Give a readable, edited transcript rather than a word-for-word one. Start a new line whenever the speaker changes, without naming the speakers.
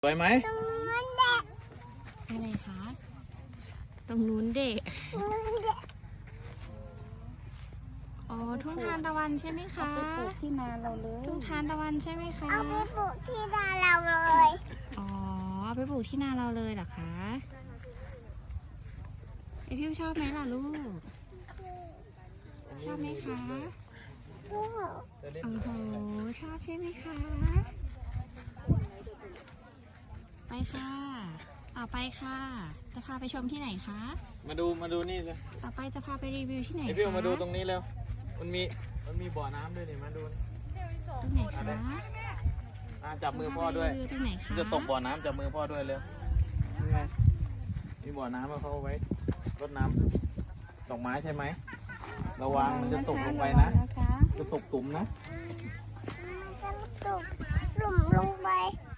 สวยไหม
ตรงนู้นเด็ก
อะไรคะ ตรงนู้นเด็ก อ๋อ ทุ่งทานตะวันใช่ไหมคะ
ไปปลูกที่นาเราเลย
ทุ่งทานตะวันใช่ไหมคะ
เอาไปปลูกที่นาเราเลย
อ๋อเอาไปปลูกที่นาเราเลยเหรอคะไอพิวชอบไหมล่ะลูก ชอบไหมคะ โอ้โห ชอบใช่ไหมคะ ไปค่ะ ต่อไปค่ะ จะพาไปชมที่ไหนคะ
มาดูนี่เลย
ต่อไปจะพาไปรีวิวที่ไหน
ไอ
คะ
พี่มาดูตรงนี้แล้วมันมีบ่อน้ำด้วยนี่มาดู
ตรงไหนคะ
จับมือพ่อด้วย
รีวิวตรงไหนคะ
จะตกบ่อน้ำจับมือพ่อด้วยเร็วนี่ไงมีบ่อน้ำมาเขาเอาไว้รดน้ำดอกไม้ใช่ไหมระวังมันจะตกลงไปนะ
นะคะ
จะตกตุ่มนะ
จะตกหลุมลงไป